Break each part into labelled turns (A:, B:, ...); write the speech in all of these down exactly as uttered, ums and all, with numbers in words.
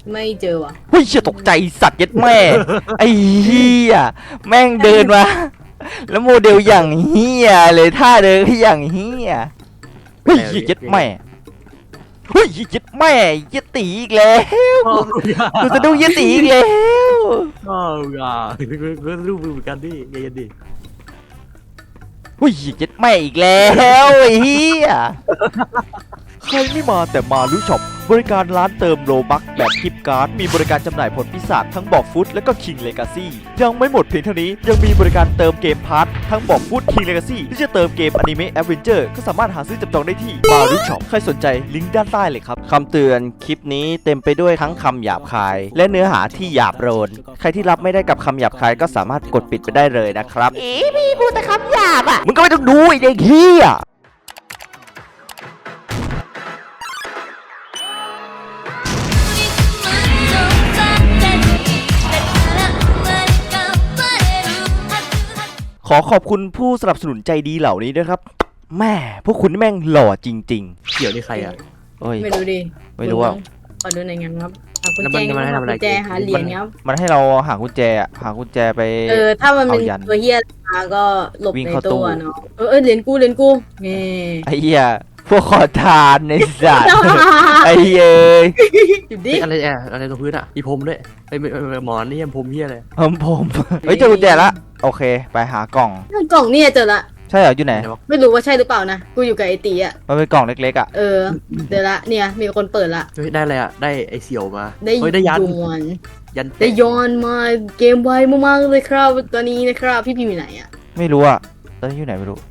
A: ไม่เจอว่ะ
B: เฮ้ยเชี่ยตกใจสัตว์ยัดแม่ไอ้เหี้ยแม่งเดินมาแล้วโมเดลอย่างเหี้ยเลยท่าเดินอย่างเหี้ยเฮ้ยยัดแม่เฮ้ยยัดแม่ยัดตีอีกแล้วกูจะดูยัดตีอีกแล้ว
C: อ๋อยาก็รู้เหมือนกันดิเย็นดิ
B: เฮ้ยยัดแม่อีกแล้วไอ้เหี้ยใครไม่มาแต่มารู้ช็อปบริการร้านเติมโลบัคแบบกิฟต์การ์ดมีบริการจำหน่ายผลปีศาจทั้งบอกฟุตและก็คิงเลกาซี่ยังไม่หมดเพียงเท่านี้ยังมีบริการเติมเกมพาร์ททั้งบอกฟุตคิงเลกาซี่ที่จะเติมเกมอนิเมะแอดเวนเจอร์ก็สามารถหาซื้อจับจองได้ที่มารู้ช็อปใครสนใจลิงก์ด้านใต้เลยครับคำเตือนคลิปนี้เต็มไปด้วยทั้งคำหยาบคายและเนื้อหาที่หยาบโลนใครที่รับไม่ได้กับคำหยาบคายก็สามารถกดปิดไปได้เลยนะครับอีพี่พูดแต่คำหยาบอ่ะมึงก็ไม่ต้องดูไอ้เด็กเหี้ยขอขอบคุณผู้สนับสนุนใจดีเหล่านี้ด้วยครับแม่พวกคุณแม่งหล่อจริง
C: ๆเกี่ยวนี่ใครอ่ะ
A: ไม่รู้ดิ
B: ไม่รู้อ่ะ
A: ขอดูในงานครับหากุญแจหากุญแจหาเหรียญครับ
B: มันให้เราหากุญแจหากุญแจไป
A: เออถ้ามันเป็นตัวเฮียมาก็หลบในตู้เนาะเออเหรียญกูเหรียญกูนี่
B: ไอ้เหี้ยพวกขอทานในสัตว์ไอ้เย้ย
C: อะไรแอะอะไรตรงพื้นอ่ะอีพรมด้วยไอ้หมอนนี่พรมเฮียเลย
B: ผมผมเฮ้ยเจอกุญแจละโอเคไปหากล่อง
A: กล่องนี่เจอละ
B: ใช่เหรออยู่ไหน
A: ไม่รู้ว่าใช่หรือเปล่านะกูอยู่กับไอตีอ่ะ
B: มันเป็นกล่องเล็กๆอ่ะ
A: เออเดี๋ยวละเนี่ยมีคนเปิดละ
C: เฮ้ยได้อะไรอ่ะได้ไอเสี่ยวมา
A: ได้
C: ได้ยัน
A: ยันได้ย้อนมาเกมไวมากๆเลยครับตอนนี้นะครับพี่พิมพ์อยู่ไหนอ่ะ
B: ไม่รู้อ่ะตอนนี้อยู่ไหนไม่รู้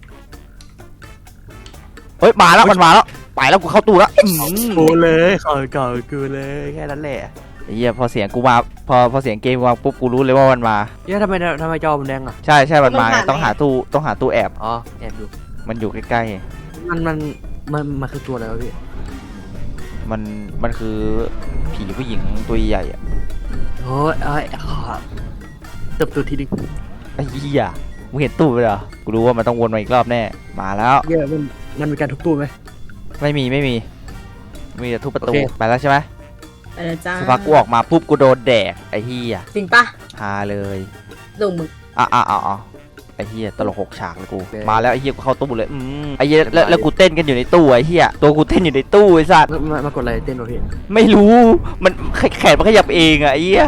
B: เฮ้ยมาแล้วมันมาแล้วไปแล้วกูเข้าตู้แล้ว
C: กูเลยขอก่อนกูเลยแค่นั้นแหละ
B: ไอ้เหี้ยพอเสียงกูมาพอพอเสียงเกมมาปุ๊บกูรู้เลยว่ามันมา
C: เฮ้ยทำไมทำไมจอมันแดงอ่ะ
B: ใช่ใช่มันมาต้องหาตู้ต้องหาตู้แอบ
C: อ๋อแอบอยู่
B: มันอยู่ใกล้
C: ๆมันมันมันมันคือตัวอะไรวะพี่
B: มันมันคือผีผู้หญิงตัวใหญ่อ่ะ
C: โอ้ยไอ้เติบโตทีนึง
B: ไอ้เหี้ยมึงเห็นตู้ไปเหรอกูรู้ว่ามันต้องวนมาอีกรอบแน่มาแล้ว
C: เหี้ยมันมันมีการทุบตู้ไหม
B: ไม่มีไม่มีมีแต่ทุบประตูไปแล้วใช่ไหม
A: ไปแล้วจ้า
B: สักพักกูออกมาปุ๊บกูโดนแดกไอ้เหี้ย
A: จริงปะ
B: ฮาเลย
A: ลงมือ
B: อ่ะอ่ะอ่ะอ่ะไอ้เหี้ยตลกหกฉากเลยกูมาแล้วไอ้เหี้ยกูเข้าตู้เลยอืมไอ้เหี้ยแล้วแล้วกูเต้นกันอยู่ในตู้ไอ้เหี้ยตัวกูเต้นอยู่ในตู้ไอ้สัตว์
C: มากดอะไรเต้นวะพี่
B: ไม่รู้มันแขนมันขยับเองอะไอ้เหี้ย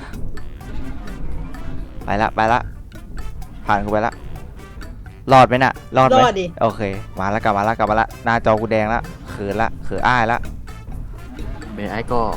B: ไปละไปละผ่านกูไปละรอดไหมน่ะรอดไหมโอเคมาแล้วกลับมาแล้วกลับมาละหน้าจอกูแดงละเขินละเขินอ้ายละ
C: เบย์ไอ้ก็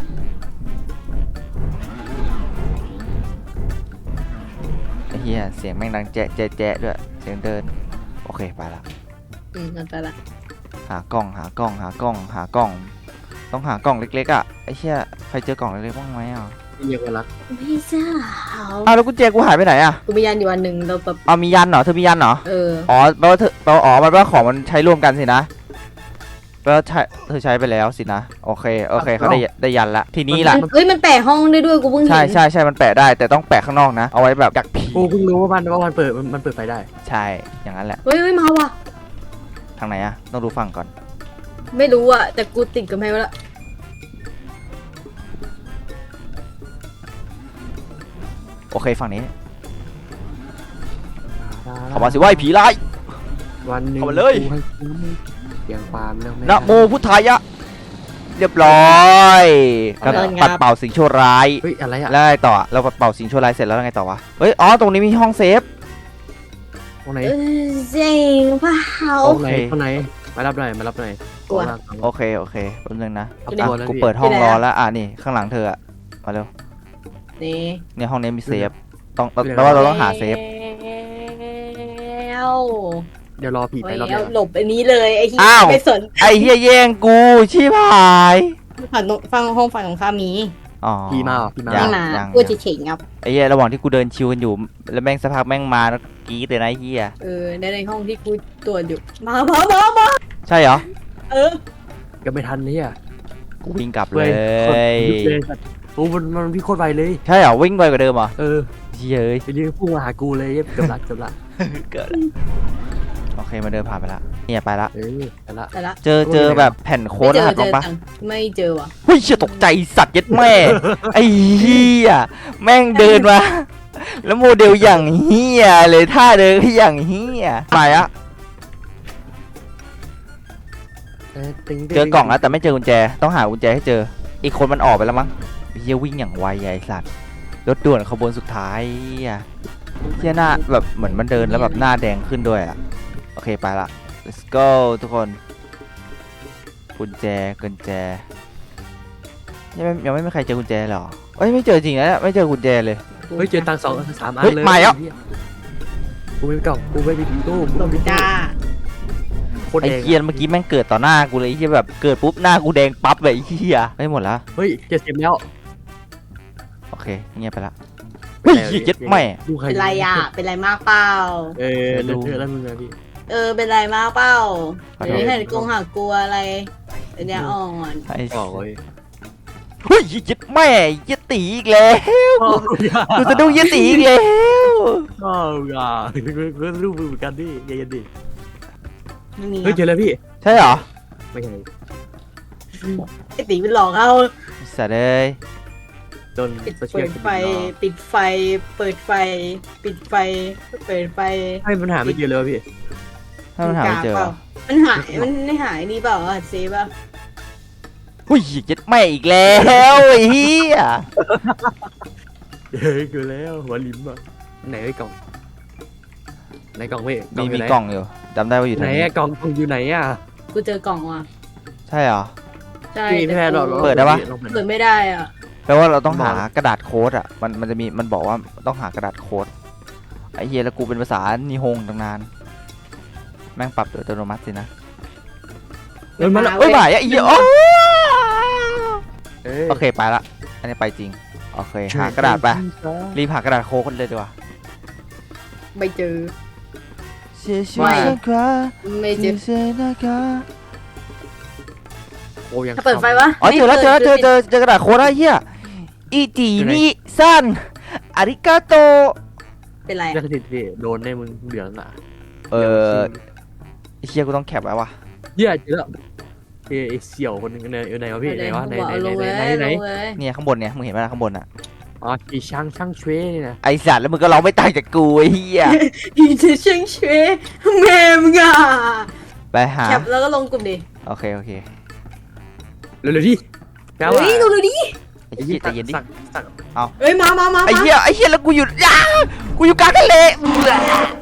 B: ไอ้เหี้ยเสียงแม่งดังแจ๊ะแจ๊ะแจ๊ะด้วยเสียงเดินโอเคไปละ
A: อืมไปละ
B: หากล่องหากล่องหากล่องหากล่องต้องหากล่องเล็กๆอ่ะไอ้เหี้ยใครเจอกล่องเล็กๆบ้างไหมอ่ะ
C: เรียกว่ารัก
A: ไม่ทราบ
B: อ้าวแล้วกุญแจกูหายไปไหนอ่ะ
A: กูมียันอยู่วันหนึ่งเราแบบ
B: อ๋อมียันเหรอเธอมียันเหรอ
A: เออ
B: อ๋อแปลว่าเธอแปลว่าอ๋อมันว่าของมันใช้ร่วมกันสินะแปลว่าใช้เธอใช้ไปแล้วสินะโอเคโอเคเขาได้ได้ยันละทีนี้ล่ะ
A: เฮ้ยมันแปะห้องได้ด้วยกูเพิ่งเห็น
B: ใช่ใช่ใช่มันแปะได้แต่ต้องแปะข้างนอกนะเอาไว้แบบดักผี
C: กูเพิ่งรู้ว่ามันว่ามันเปิดมันเปิดไฟได้
B: ใช่อย่างนั้นแหละ
A: เฮ้ยเฮ้ยมาว่ะ
B: ทางไหนอะต้องดูฝั่งก่อน
A: ไม่รู้อะแต่กูติดกับแมวแล้ว
B: โอเคฝั่งนี้เข้ามาสิว่าผีร้าย
C: วันหนึ่ง
B: เข้ามาเลย
C: เสียงความแล้ว
B: นะโมพุทธายะเรียบร้อยปัดเป่าสิ่งชั่วร้าย
C: เฮ้ยอะไรอะ
B: แล้วไงต่อเราปัดเป่าสิ่งชั่วร้ายเสร็จแล้วไงต่อวะเฮ้ยอ๋อตรงนี้มีห้องเซฟ
C: ตรงไหน
A: เจ๋งเปล่า
C: ตรงไหนตรงไหนมารับหน่อยมารับหน่อย
B: โอเคโอเคแป๊บนึงนะกูเปิดห้องรอแล้วอ่ะนี่ข้างหลังเธอมาเร็ว
A: นี่
B: เนี่ยห้องนี้มีเซฟต้องแปลว่าเราต้องหาเซฟ
C: เดี๋ยวรอผีไปรอบ
A: เดียวหลบอันนี้เลยไอ้เหี้
B: ย
A: ไม่สน
B: ไอ้เหี้ยแย่งกูชิบหาย
A: ฝั่งฟังห้องฝั่งของข้ามี
B: อ๋อ
C: ผีมาผีมา
A: ยังมากูจะเฉ่งครับ
B: ไอ้เหี้ยระหว่างที่กูเดินชิวกันอยู่แล้วแม่งสักพักแม่งมาแล้วกรี๊ดเลยนะไอ้เหี้ย
A: เออในในห้องที่กูตรวจอยู่มามามามา
B: ใช่เหรอ
A: เออ
C: ก็ไม่ทันเลยอ่ะ
B: กูวิ่งกลับเลย
C: โอ้มันมันพี่โคตรไวเลย
B: ใช่เหรอวิ่งไวกว่าเดิมเหรอ
C: เออ
B: เย้ย
C: ไปยืนพุ่งมาหากูเลยเกือบหลักเกือบหลัก
B: เกิดโอเคมาเดินผ่านไปละเนี่ยไปละ
C: เออไปละ
A: แต่ละ
B: เจอเจอแบบแผ่นโค้
A: ไม่
B: ด
A: เจ
B: ร
A: อ
B: หัส
A: เจ
B: บ้าง
A: อ
B: ปะ
A: จังไม่เจอว่ะ
B: เฮ้ยเชี่ยตกใจสัตว์ยัดแม่ ไอ้เหี้ยแม่งเดินมาแล้วโมเดลอย่างเหี้ยเลยท่าเดินก็อย่างเหี้ยไปอะ
C: เออติ๊ง
B: เจอกล่องแล้วแต่ไม่เจอกุญแจต้องหากุญแจให้เจออีกคนมันออกไปแล้วมั้งเฮียวิ่งอย่างไวใหญ่สัตว์รถด่วนขบวนสุดท้ายอ่ะเฮียหน้าแบบเหมือนมันเดินแล้วแบบหน้าแดงขึ้นด้วยอ่ะโอเคไปละ let's go ทุกคนกุญแจกุญแจยังไม่ยังไม่มีใครเจอกุญแจหรอเอ้ยไม่เจอจริงนะไม่เจอกุญแจเลย
C: เฮ้ยเจอตังค์สองสามอัน
B: เฮ้ย
C: เลย
B: มาแล้ว
C: กูไม่มีกล่องกูไม่มีตู้กู
A: หล
C: ไม่
A: บ
C: มี
A: จ้า
C: โคตร
B: ไอ้
C: แดง
B: เฮียเมื่อกี้แม่งเกิดต่อหน้ากูเลยไอ้เฮียแบบเกิดปุ๊บหน้ากูแดงปั๊บเลยไอ้เฮียไม่หมดละ
C: เฮ้ยเจ็ดสิบแล้ว
B: โอเคเงียบไปละเฮ้ยเหี้ยเย็ดแม่
C: ดูใคร
A: เป็นไรอ่ะเป็นไรมากเปล่า
C: เออเลือดเลือดแล้วมึงอะพี่
A: เออเป็นไรมากเปล่า
B: ขอโทษ
A: เดี๋ยวนี้เห็นกงหักกลัวอะไรเป็นยาอ่อน
B: ไอ้
C: บอกเลย
B: เฮ้ยเย็ดแม่เย็ดตีอีกแล้ว กูจะดูเย็ดตีอีกแล้ว
C: อ้าวอย่าเพื่อนรูปมือเหมือนกันดิเย็นๆดิ
A: ไม่มี
C: เฮ้ยเจอแล้วพี่
B: ใช่เหรอ
C: ไม่ใช่
A: ไอตีเป็นหลอกเอา
B: สัตว์เอ้ย
C: จน
A: ปิด
C: โซเชี
A: เปิ
C: ยล
A: ดไฟปิดไฟ เปิดไฟ ปิดไฟเปิดไฟ
C: ให้ปัญหาไม่เจอเลยวะพี่
B: ถ้ามันหาไม่เจอ
A: ปล่ามันหายมันไม่หายนี่เปล่าอ่ะเซฟอ่ะ
B: เฮ้ยเย็ดแม่อีกแล้วไอ้เหี้ย
C: เฮ้ยเกินแล้วหัวลิ้มอ่ะไหนไอ้กล่องไหนกล่องพี่
B: มี
C: ยู่
B: มี
C: ไหน
B: กล่องอยู่จำได้ว่าอยู่
C: ไหน
B: ทางนี้
C: อะกล่องกล่องอยู่ไหนอะ
A: กูเจอกล่องว่ะ
B: ใช่เหรอ
A: ใช่
C: พี่
A: แต่
C: แพ้เรา
A: กู
B: เปิดได้ปะ
C: ลองเปิด
A: เปิดไม่ได้อ่ะ
B: แปลว่าเราต้องหากระดาษโค้ดอ่ะมันมันจะมีมันบอกว่าต้องหากระดาษโค้ดไอ้เหี้ยแล้วกูเป็นภาษานิฮงตั้งนานแม่งปรับโดยอัตโนมัติสินะ
C: เออมาแล้ว
B: เฮ้ยบ่ายอ่ะไอ้เหี้ยโอ้
C: เอ้ย
B: โอเคไปละอันนี้ไปจริงโอเคหากระดาษไปรีบหากระดาษโค้ดกันเลยดีกว่า
A: ไม่เจอ
B: 谢谢
A: ไม่
B: 大家
A: ไม่เจอ
B: 谢谢大家
C: โอ้ยัง
A: ถ้าเปิดไฟวะ
B: อ๋อเจอแล้วเจอแล้วเจอเจ
A: อ
B: อเจอกระดาษโค้ดแล้วไอ้เหี้ยอีจีนี่ซันอาริกาโต
A: เป็นไร
C: จะติดพี่โดนแน่มึงเหลืองอ่ะ
B: เออไอ้เหี้ยกูต้องแคปไว้ว่ะ
C: เหี้ยเจอแล้วเอ้ยไอ้เสี่ยวคนหนึงไหนไหนวะพี่ไหนวะไหนไหน
A: ลง
C: ไหน
A: เลย
C: ไหนไหน
A: ลงเลย
B: เนี่ยข้างบนเนี่ยมึงเห็นไหมล่ะข้างบนอ่ะ
C: อ๋ออีช่างช่างเชวยนี่นะ
B: ไอสัตว์แล้วมึงก็ร้องไม่ต่างจากกูไอ้เหี้ย
A: อีเจเชิงเชยแม่มึงอ่ะ
B: ไปหา
A: แคปแล้วก็ลงกลุ่มดิ
B: โอเคโอเค
C: เร็วๆดิแปลว่า
A: เฮ้ยดูดูดิ
B: ไอ้เหี้ยใจเย็นดิ
C: สั่งสั่ง
A: เฮ้ยมามามา
B: ไอ้เหี้ยไอ้เหี้ยแล้วกูอยู่อ้ากูอยู่กลางทะเล